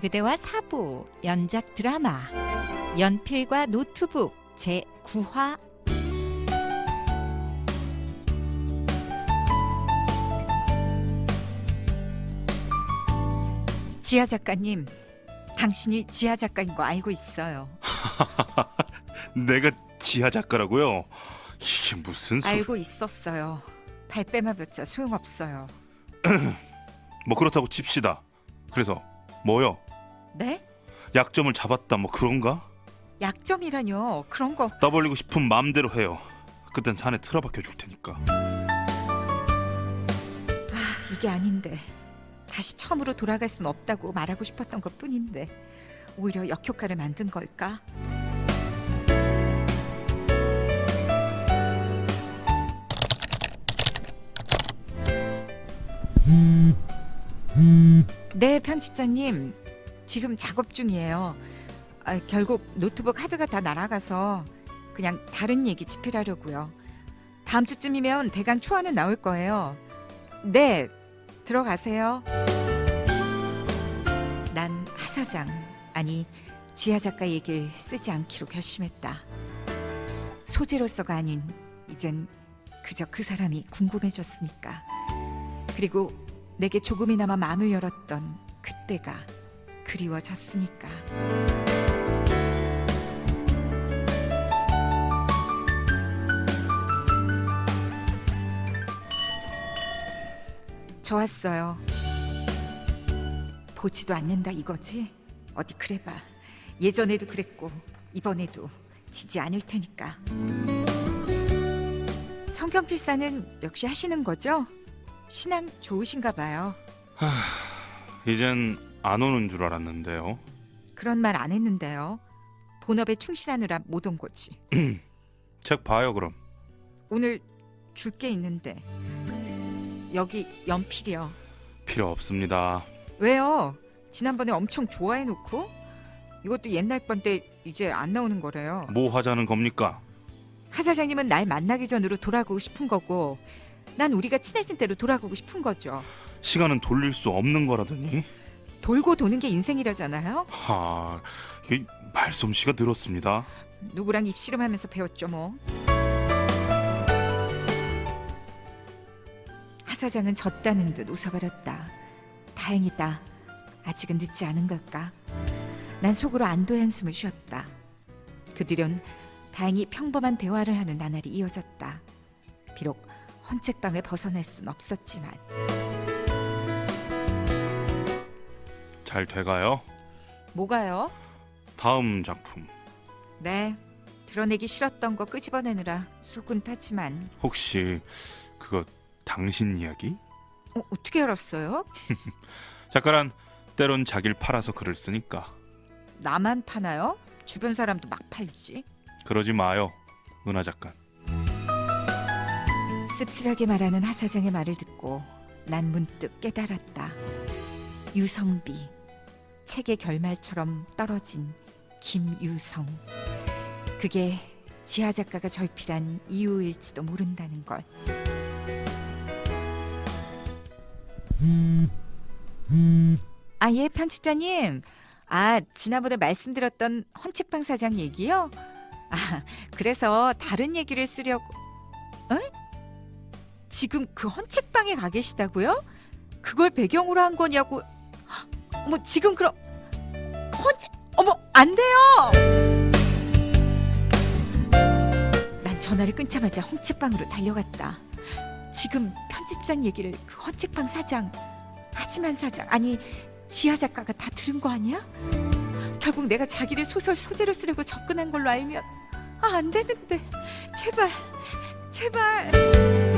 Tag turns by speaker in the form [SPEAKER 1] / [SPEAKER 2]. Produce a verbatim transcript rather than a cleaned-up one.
[SPEAKER 1] 그대와 사부 연작 드라마 연필과 노트북 제구 화. 지아 작가님, 당신이 지아 작가인 거 알고 있어요.
[SPEAKER 2] 내가 지하 작가라고요? 이게 무슨 소리?
[SPEAKER 1] 알고 있었어요. 발뺌해봤자 소용없어요.
[SPEAKER 2] 뭐 그렇다고 칩시다. 그래서 뭐요?
[SPEAKER 1] 네?
[SPEAKER 2] 약점을 잡았다 뭐 그런가?
[SPEAKER 1] 약점이라뇨. 그런 거.
[SPEAKER 2] 떠벌리고 싶은 마음대로 해요. 그땐 산에 틀어박혀 줄 테니까.
[SPEAKER 1] 아, 이게 아닌데. 다시 처음으로 돌아갈 순 없다고 말하고 싶었던 것 뿐인데 오히려 역효과를 만든 걸까? 네, 편집자님. 지금 작업 중이에요. 아, 결국 노트북 하드가 다 날아가서 그냥 다른 얘기 집필하려고요. 다음 주쯤이면 대강 초안은 나올 거예요. 네, 들어가세요. 난 하사장, 아니 지아 작가 얘기를 쓰지 않기로 결심했다. 소재로서가 아닌 이젠 그저 그 사람이 궁금해졌으니까. 그리고 내게 조금이나마 마음을 열었던 그때가 그리워졌으니까. 좋았어요. 보지도 않는다 이거지? 어디 그래봐. 예전에도 그랬고 이번에도 지지 않을 테니까. 성경 필사는 역시 하시는 거죠? 신앙 좋으신가 봐요.
[SPEAKER 2] 이젠 안 오는 줄 알았는데요.
[SPEAKER 1] 그런 말 안 했는데요. 본업에 충실하느라 못 온 거지.
[SPEAKER 2] 책 봐요 그럼.
[SPEAKER 1] 오늘 줄 게 있는데. 여기 연필이요.
[SPEAKER 2] 필요 없습니다.
[SPEAKER 1] 왜요? 지난번에 엄청 좋아해놓고. 이것도 옛날 건데 이제 안 나오는 거래요.
[SPEAKER 2] 뭐 하자는 겁니까?
[SPEAKER 1] 하 사장님은 날 만나기 전으로 돌아가고 싶은 거고 난 우리가 친해진 대로 돌아가고 싶은 거죠.
[SPEAKER 2] 시간은 돌릴 수 없는 거라더니.
[SPEAKER 1] 돌고 도는 게 인생이라잖아요.
[SPEAKER 2] 하, 이게 말솜씨가 늘었습니다.
[SPEAKER 1] 누구랑 입씨름하면서 배웠죠 뭐. 하 사장은 졌다는 듯 웃어버렸다. 다행이다. 아직은 늦지 않은 걸까. 난 속으로 안도의 한숨을 쉬었다. 그 뒤론 다행히 평범한 대화를 하는 나날이 이어졌다. 비록 헌책방을 벗어날 순 없었지만.
[SPEAKER 2] 잘 돼가요?
[SPEAKER 1] 뭐가요?
[SPEAKER 2] 다음 작품
[SPEAKER 1] 네, 드러내기 싫었던 거 끄집어내느라 속은 타지만.
[SPEAKER 2] 혹시 그거 당신 이야기?
[SPEAKER 1] 어, 어떻게 알았어요?
[SPEAKER 2] 작가란 때론 자기를 팔아서 글을 쓰니까.
[SPEAKER 1] 나만 파나요? 주변 사람도 막 팔지.
[SPEAKER 2] 그러지 마요, 은하 작가.
[SPEAKER 1] 씁쓸하게 말하는 하 사장의 말을 듣고 난 문득 깨달았다. 유성비, 책의 결말처럼 떨어진 김유성. 그게 지하 작가가 절필한 이유일지도 모른다는 걸. 아, 예, 편집자님. 아, 지난번에 말씀드렸던 헌책방 사장 얘기요? 아, 그래서 다른 얘기를 쓰려고. 에? 지금 그 헌책방에 가 계시다고요? 그걸 배경으로 한 거냐고. 어머, 지금 그럼 헌책. 어머, 안 돼요. 난 전화를 끊자마자 헌책방으로 달려갔다. 지금 편집장 얘기를 그 헌책방 사장, 하지만 사장, 아니 지하 작가가 다 들은 거 아니야? 결국 내가 자기를 소설 소재로 쓰려고 접근한 걸로 알면 아, 안 되는데. 제발, 제발.